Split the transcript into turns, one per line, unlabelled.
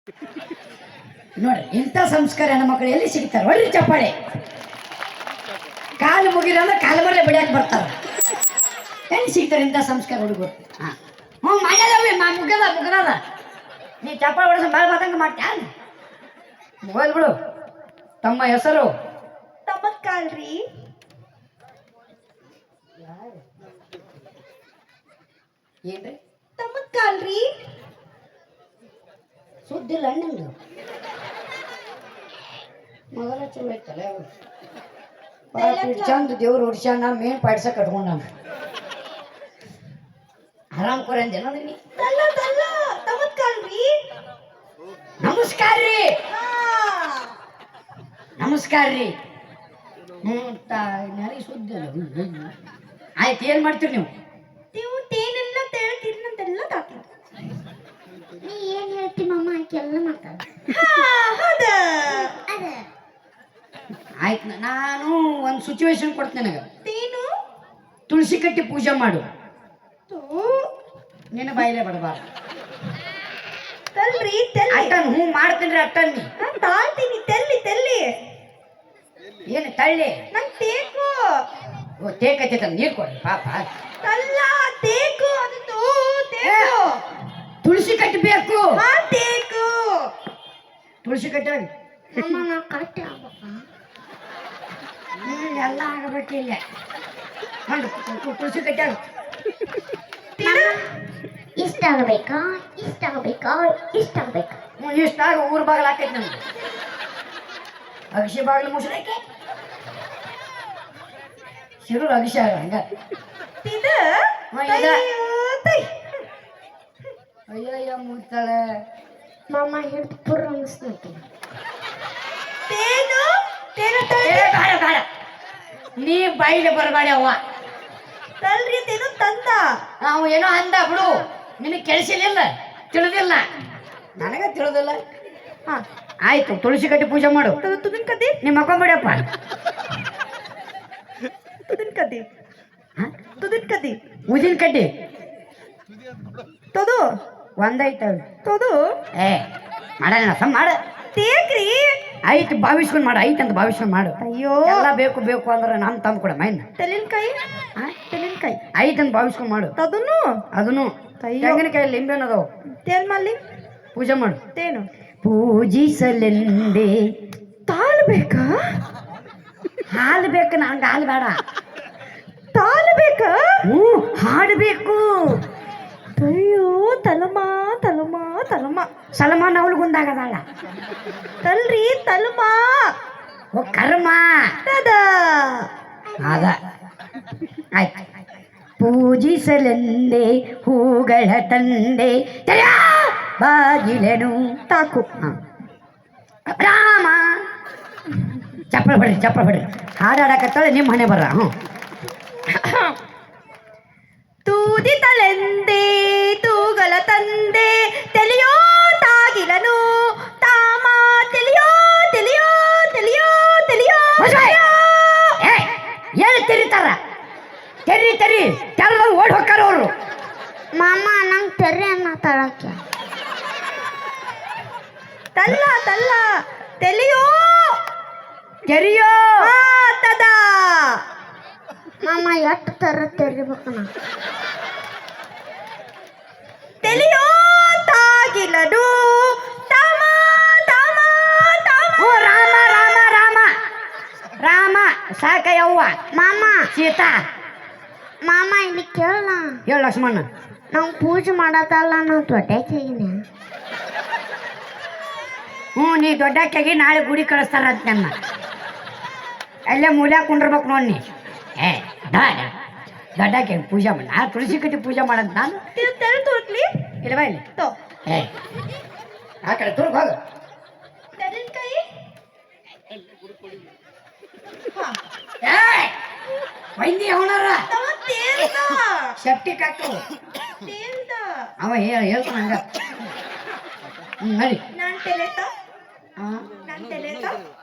ನೋಡ್ರಿ ಇಂಥ ಸಂಸ್ಕಾರ ಹೆಣ್ಮಕ್ಳು ಎಲ್ಲಿ ಸಿಗ್ತಾರೆ? ಒಳ್ಳೆ ಚಪ್ಪಾಳೆ. ಕಾಲು ಮುಗಿರಂದ್ರೆ ಕಾಲು ಮರಲೆ ಬಿಡಕ್ಕೆ ಬರ್ತಾರೆ. ಎಲ್ಲಿ ಸಿಗ್ತಾರೆ ಇಂಥ ಸಂಸ್ಕಾರ ಹುಡುಗರು? ಹ್ಞೂ ಮಾಡ್ಯದವಿ ಮುಗದ ನೀ ಚಪ್ಪಾಳೆ ಹೊಡೆಸ ಬಾಳ ಮಾತಂಗ ಮಾಡ್ತ್ಯಾ? ಹೋಗ್ಲಿ ಬಿಡು. ತಮ್ಮ ಹೆಸರು?
ತಮ್ಮಕ್ಕಾಲ್ರಿ.
ಏನ್ರಿ
ತಮ್ಮಕ್ಕಾಲ್ರಿ?
ಸುದ್ದಿಲ್ಲ ನಿಮ್ದು. ಮೊದಲ ಚಲೋ ಐತಲ್ಲ ಚಂದ ದೇವ್ರು ಹುಡ್ಸ್ಯಾನ ಮೇನ್ ಪಾಡ್ಸ ಕಟ್ಕೊಂಡ ಆರಾಮ್ ಕೊರ ಅಂದೇನ ನೀ?
ತಮ್ಮಕ್ಕಾಲ್ರಿ.
ನಮಸ್ಕಾರ ರೀ. ನಮಸ್ಕಾರ ರೀ. ನನಗೆ ಸುದ್ದಿ ಇಲ್ಲ. ಆಯ್ತು, ಏನ್ ಮಾಡ್ತೀರಿ ನೀವು?
ನೀವು ತೇನೆಲ್ಲ ತೇಳ್ತೀರಂತೆಲ್ಲ ತಾತೀನಿ.
ನೀ ಏನ್ ಹೇಳ್ತಿ ಮಮ್ಮ ಆಕೆಲ್ಲ ಮಾತಾಡ.
ಆಯ್ತು, ನಾನು ಒಂದು ಸಿಚುವೇಶನ್ ಕೊಡ್ತೇನೆ ನನಗೆ.
ತೇನು
ತುಳಸಿ ಕಟ್ಟಿ ಪೂಜೆ ಮಾಡು. ನಿನ್ನ ಬಾಯಿಲೆ ಬಡಬಾರ್ದು.
ತಲ್ರಿ
ಅಟ್ಟನ್ ಹ್ಞೂ ಮಾಡ್ತೀನಿ ರೀ. ಅಟ್ಟನ್ ನೀ
ತಾಳ್ತೀನಿ. ತೆಲ್ಲಿ
ಏನು ತಳ್ಳಿ?
ನಂಗೆ ತೇಕು.
ಓ ತೇಕೈತೆ ನೀರು ಕೊಡ್ರಿ ಪಾಪ.
ತಲ್ಲ ತೇಕು. ಅದು ತೇಕು.
ತುಳಸಿ ಕಟ್ಟಬೇಕು.
ತೇಕು.
ತುಳಸಿ ಕಟ್ಟಿ
ಮಮ್ಮ ನಾ ಕರೆಕ್ಟ್ ಆಗ್ಬೇಕಾ?
ಎಲ್ಲ ಆಗಬೇಕಿಲ್ಲ. ತುಳಸಿ ಕಟ್ಟಾಗ
ಇಷ್ಟ ಆಗಬೇಕಾ? ಇಷ್ಟ ಆಗಬೇಕಾ? ಇಷ್ಟ ಆಗಬೇಕಾ?
ಇಷ್ಟಾಗ ಊರ್ ಬಾಗಿಲು ಹಾಕೈತಿ ನಮ್ಗೆ. ಅಗಸಿ ಬಾಗಿಲು ಮುಸ್ರಾಕಿ ಶಿರು ಅಗಸಿ ಹಂಗ. ಅಯ್ಯಯ್ಯ ಮುಗ್ತಾಳೆ.
ಮಮ್ಮ ಹಿಡ್ದು ಪುರ್ ಅನಿಸ್ನಕ್ಕೆ.
ತೇನು
ಬೇಡ ನೀ ಬಾಯಿಲೆ ಬರಬೇಡ ಅವ್ವ.
ತಲ್ರಿ ತೇನು ತಂದ.
ನಾವು ಏನೋ ಅಂದ ಬಿಡು. ನಿನಗೆ ಕೆಲ್ಸಿಲ್ಲ, ತಿಳಿದಿಲ್ಲ. ನನಗೆ ತಿಳಿದಿಲ್ಲ. ಆಯ್ತು, ತುಳಸಿ ಕಟ್ಟಿ ಪೂಜೆ ಮಾಡು.
ತುದಿನ ಕದ್ದಿ.
ನಿಮ್ಮ ಮಕ್ಕೊಂಬಿಡಪ್ಪ.
ತುದಿನ ಕದ್ದಿ.
ಉದಿನ ಕಡ್ಡಿ
ತೊದು
ಒಂದೈತವ.
ತೊದು
ಏ ಮಾಡೋಣ ಸಮ್ ಮಾಡ.
ತೇಕ್ರಿ.
ಆಯ್ತು, ಭಾವಿಸ್ಕೊಂಡು ಮಾಡು. ಐತಂತ ಭಾವಿಸ್ಕೊಂಡು ಮಾಡು.
ಅಯ್ಯೋ
ಎಲ್ಲ ಬೇಕು ಅಂದ್ರೆ ನಾನು ತಂದು ಕೊಡ ಮೈನ್.
ತೆಲಿನಕಾಯಿ.
ಐತಂತ ಭಾವಿಸ್ಕೊಂಡು ಮಾಡು.
ತದನು
ಅದನ್ನು ತೆಂಗಿನಕಾಯಿ ಲಿಂಬೆನ ಅದಾವ.
ತೇಲ್ ಮಲ್ಲಿ
ಪೂಜೆ ಮಾಡು.
ತೇನು
ಪೂಜಿಸಲೆಂದೇ
ತಾಳು ಬೇಕಾ?
ಹಾಲು ಬೇಕು. ನಂಗೆ ಹಾಲು ಬೇಡ.
ತಾಳು ಬೇಕಾ?
ಹ್ಞೂ, ಹಾಡಬೇಕು.
ಅಯ್ಯೋ ತಲಮ
ಸಲಮಾನ್ ಅವಳಿಗೊಂದಾಗದಾಳ.
ತಲ್ರಿ ತಲಮ.
ಓ ಕರ್ಮ
ತದ.
ಅದ ಆಯ್ತು. ಪೂಜಿಸಲೆಂದೇ ಹೂಗಳ ತಂದೆ ಬಾಗಿಲೆನು
ತಾಕು.
ರಾಮ. ಚಪ್ಪಳ ಬಿಡ್ರಿ. ಹಾಡಾಡಕತ್ತಾಳೆ ನಿಮ್ಮ ಮನೆ ಬರ್ರ. ಹ್ಞೂ.
ತೂದಿತಲೆಂದೇ ತೂಗಲ ತಂದೆ ತೆಲಿಯೋ ತಾಗಿಲನು ತಾಮ ತೆಲಿಯೋ.
ಏನು ತೆರಿತಾರ? ತೆರಿ ಕೆಲ ಓಡಿ ಹೋಗ್ತಾರ ಅವರು.
ಮಮ್ಮ ನಂಗೆ ತೆರೆ ಅನ್ನ ತಳಕ್ಕೆ.
ತಲ್ಲ ತೆಲಿಯೋ ತದ.
ಮಮ್ಮ ಎಷ್ಟು ತೆರಿಬೇಕು ನಾ?
ತೆಲಿಯೋ ತಾಗಿಲನು ತಾಮ.
ಓ ರಾಮ ಸಾಕಯ್ಯವ್ವ.
ಮಾಮ
ಸೀತಾ.
ಮಾಮ ಇಲ್ಲಿ ಕೇಳ.
ಹೇಳು ಲಕ್ಷ್ಮಣ.
ನಾವು ಪೂಜೆ ಮಾಡತ್ತಲ್ಲ, ನಾವು ದೊಡ್ಡಕ್ಕಿನ.
ಹ್ಞೂ, ನೀ ದೊಡ್ಡಕ್ಕಾಗಿ ನಾಳೆ ಗುಡಿ ಕಳಿಸ್ತಾರಂತ ನನ್ನ. ಅಲ್ಲೇ ಮೂಲ್ಯಾಗ ಕುಂಡಿರ್ಬೇಕು ನೋಡಿ ನೀ. ದೊಡ್ಡಕ್ಕೆ ಪೂಜೆ ಮಾಡಿ. ಆ ತುಳಸಿ ಕಟ್ಟಿ ಪೂಜೆ ಮಾಡಂತ ನಾನು.
ತೆಲ್ ತೋರ್ಲಿ.
ಇಲ್ವಾ ಇಲ್ಲಿ ಆ ಕಡೆ ತುರ್ಗ ಹೋಗು.
ತೆಲಿನಕಾಯಿ.
ವೈದ್ಯ ಅವನಾರ ಸೆಪ್ಟಿಕ್ ಹಾಕು. ಅವ ಹೇಳ್ತಾನ ಹಂಗ. ನಡಿ.
ನಾನು ತೆಲೆತ.